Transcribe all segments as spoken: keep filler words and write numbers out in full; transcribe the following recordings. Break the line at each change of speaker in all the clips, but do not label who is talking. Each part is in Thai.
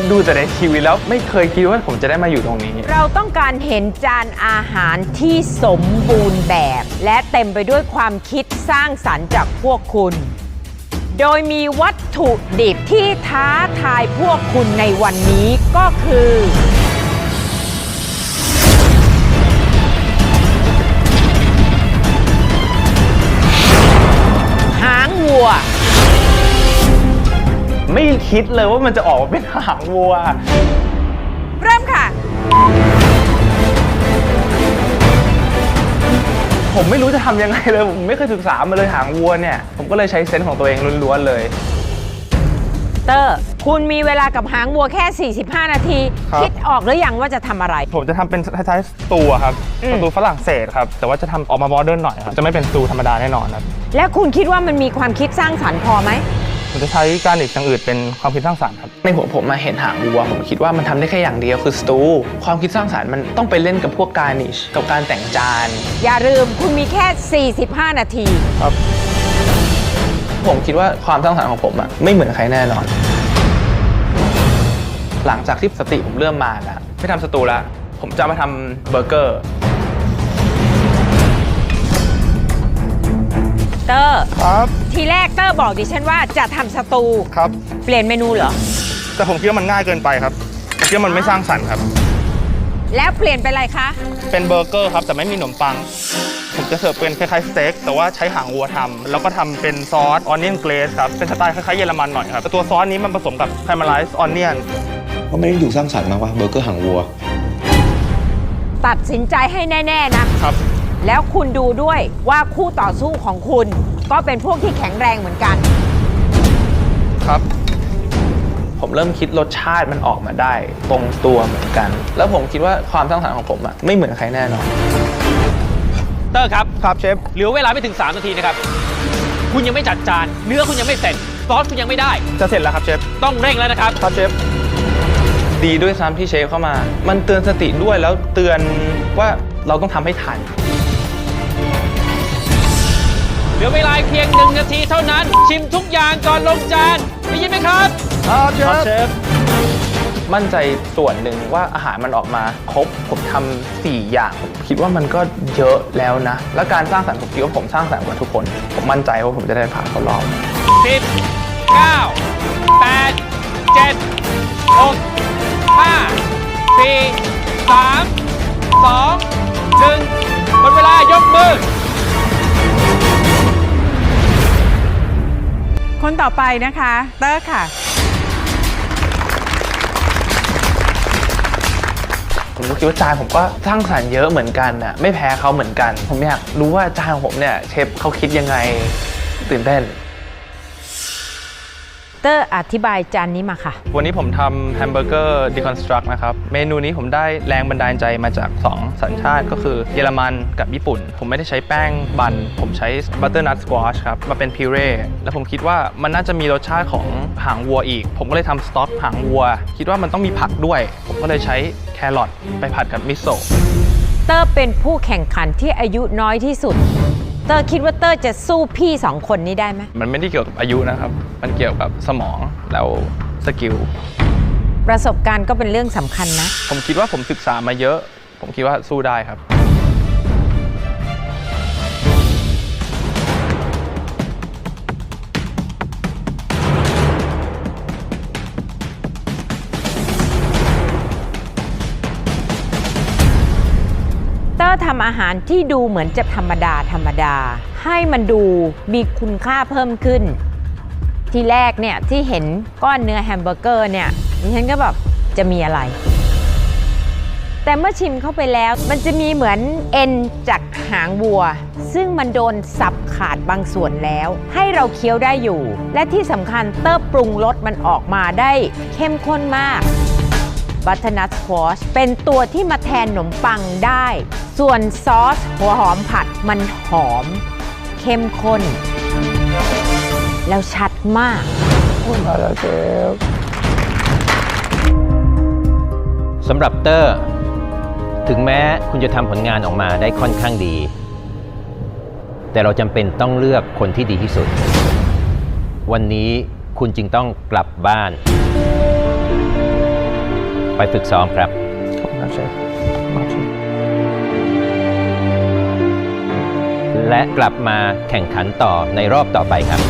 ดูแต่ในทีวีแล้วไม่เคยคิดว่าผมจะได้มาอยู่ตรงนี้
เราต้องการเห็นจานอาหารที่สมบูรณ์แบบ และเต็มไปด้วยความคิดสร้างสรรค์จากพวกคุณ โดยมีวัตถุดิบที่ท้าทายพวกคุณในวันนี้ก็คือหางวัว
ไม่คิดเลยว่ามันจะออกมาเป็นหางวัว
เริ่มค่ะ
ผมไม่รู้จะทำยังไงเลยผมไม่เคยศึกษามาเลยหางวัวเนี่ยผมก็เลยใช้เซนส์ของตัวเองล้วนๆเลย
เตอร์คุณมีเวลากับหางวัวแค่สี่สิบห้านาทีคิดออกหรือยังว่าจะทำอะไร
ผมจะทำเป็นคล้ายๆสตูครับสตูฝรั่งเศสครับแต่ว่าจะทำออกมาโมเดิร์นหน่อยครับจะไม่เป็นสตูธรรมดาแน่นอนครับ
และคุณคิดว่ามันมีความคิดสร้างสรรค์พอไหม
ผมจะใช้การอีกอย่างอื่นเป็นความคิดสร้างสรรค์ครับในหัวผมมาเห็นหางวัวผมคิดว่ามันทำได้แค่อย่างเดียวคือสตูความคิดสร้างสรรค์มันต้องไปเล่นกับพวกการนิชกับการแต่งจาน
อย่าลืมคุณมีแค่สี่สิบห้านาที
ครับผมคิดว่าความสร้างสรรค์ของผมอะไม่เหมือนใครแน่นอนหลังจากที่สติผมเริ่มมาแล้วไม่ทำสตูแล้วผมจะมาทำเบอร์เกอร์
เตอร์
ครับ
ทีแรกเตอร์บอกดิฉันว่าจะทำสตู
ครับ
เปลี่ยนเมนูเหรอ
แต่ผมคิดว่ามันง่ายเกินไปครับผมคิดว่ามันไม่สร้างสรรค์ครับ
แล้วเปลี่ยนเป็นอะไรคะ
เป็นเบอร์เกอร์ครับแต่ไม่มีขนมปังผมจะเสิร์ฟเป็นคล้ายๆสเต็กแต่ว่าใช้หางวัวทำแล้วก็ทำเป็นซอสออนเนียนเกรสครับเป็นสไตล์คล้ายๆเยอรมันหน่อยครับแต่ตัวซอสนี้มันผสมกับคาราเมลไลซ์ออนเนียน
ก็ไม่ได้ดูสร้างสรรค์มากว่าเบอร์เกอร์หางวัว
ตัดสินใจให้แน่ๆนะครับแล้วคุณดูด้วยว่าคู่ต่อสู้ของคุณก็เป็นพวกที่แข็งแรงเหมือนกัน
ครับผมเริ่มคิดรสชาติมันออกมาได้ตรงตัวเหมือนกันแล้วผมคิดว่าความสร้างสรรค์ของผมอะไม่เหมือนใครแน่นอน
เตอร์ครับ
ครับเชฟ
เหลือเวลาไม่ถึงสามนาทีนะครับคุณยังไม่จัดจานเนื้อคุณยังไม่เสร็จซอสคุณยังไม่ได้
จะเสร็จแล้วครับเชฟ
ต้องเร่งแล้วนะครับ
ครับเชฟดีด้วยซ้ำที่เชฟเข้ามามันเตือนสติด้วยแล้วเตือนว่าเราต้องทำให้ทัน
เหลือเวลาเพียงหนึ่งนาทีเท่านั้นชิมทุกอย่างก่อนลงจานได้ยินไหมครับ
ครับเชฟมั่นใจส่วนหนึ่งว่าอาหารมันออกมาครบผมทำสี่อย่างผมคิดว่ามันก็เยอะแล้วนะและการสร้างสรรค์ผมคิดว่าผมสร้างสรรค์กว่าทุกคนผมมั่นใจว่าผมจะได้ผ่านเข้ารอบ
สิบเก้าแปดเจ็ดหกห้าสี่สามสองหนึ่งหมดเวลายกมือ
คนต่อไปนะคะเตอร์ค่ะ
ผมก็คิดว่าจานผมก็สร้างสรรค์เยอะเหมือนกันน่ะไม่แพ้เขาเหมือนกันผมอยากรู้ว่าจานของผมเนี่ยเชฟเขาคิดยังไงตื่นเต้น
เตอร์อธิบายจานนี้มาค่ะ
วันนี้ผมทำแฮมเบอร์เกอร์ดีคอนสตรักนะครับเมนูนี้ผมได้แรงบันดาลใจมาจากสองสัญชาติก็คือเยอรมันกับญี่ปุ่นผมไม่ได้ใช้แป้งบันผมใช้บัตเตอร์นัทสควอชครับมาเป็นพิเร่แล้วผมคิดว่ามันน่าจะมีรสชาติของหางวัวอีกผมก็เลยทำสต๊อกหางวัวคิดว่ามันต้องมีผักด้วยผมก็เลยใช้แครอทไปผัดกับมิโซะ
เตอร์เป็นผู้แข่งขันที่อายุน้อยที่สุดเตอร์คิดว่าเตอร์จะสู้พี่สองคนนี้ได้ไหม
มันไม่ได้เกี่ยวกับอายุนะครับมันเกี่ยวกับสมองแล้วสกิล
ประสบการณ์ก็เป็นเรื่องสำคัญนะ
ผมคิดว่าผมศึกษามาเยอะผมคิดว่าสู้ได้ครับ
เตอร์ทำอาหารที่ดูเหมือนจะธรรมดาธรรมดาให้มันดูมีคุณค่าเพิ่มขึ้นทีแรกเนี่ยที่เห็นก้อนเนื้อแฮมเบอร์เกอร์เนี่ยดิฉันก็แบบจะมีอะไรแต่เมื่อชิมเข้าไปแล้วมันจะมีเหมือนเอ็นจากหางวัวซึ่งมันโดนสับขาดบางส่วนแล้วให้เราเคี้ยวได้อยู่และที่สำคัญเตอร์ปรุงรสมันออกมาได้เข้มข้นมากบัตเตอร์นัทสควอชเป็นตัวที่มาแทนขนมปังได้ส่วนซอสหัวหอมผัดมันหอมเข้มข้นแล้วชัดมาก
คุณมาแล้วเชฟ
สำหรับเตอร์ถึงแม้คุณจะทำผลงานออกมาได้ค่อนข้างดีแต่เราจำเป็นต้องเลือกคนที่ดีที่สุดวันนี้คุณจึงต้องกลับบ้านไปฝึกซ้อมครับ
ขอบคุณครับเชฟขอบคุณ
และกลับมาแข่งขันต่อในรอบต่อไปครับ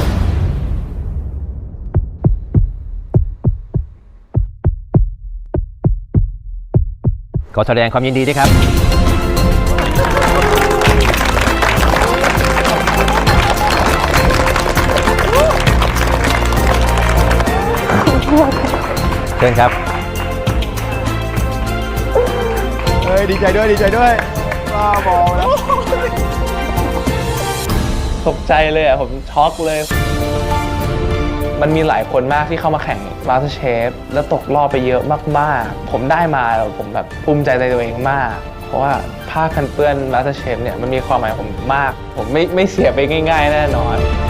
ขอแสดงความยินดีด้วยครับ เชิญครับ
เฮ้ย ดีใจด้วย ดีใจด้วยบ้าบอแล้ว
ตกใจเลยอ่ะ ผมช็อกเลย มันมีหลายคนมากที่เข้ามาแข่ง MasterChef แล้วตกรอบไปเยอะมากๆ ผมได้มาแล้วผมแบบภูมิใจในตัวเองมาก เพราะว่าผ้ากันเปื้อน MasterChef เนี่ยมันมีความหมายกับผมมาก ผมไม่ไม่เสียไปง่ายๆแน่นอน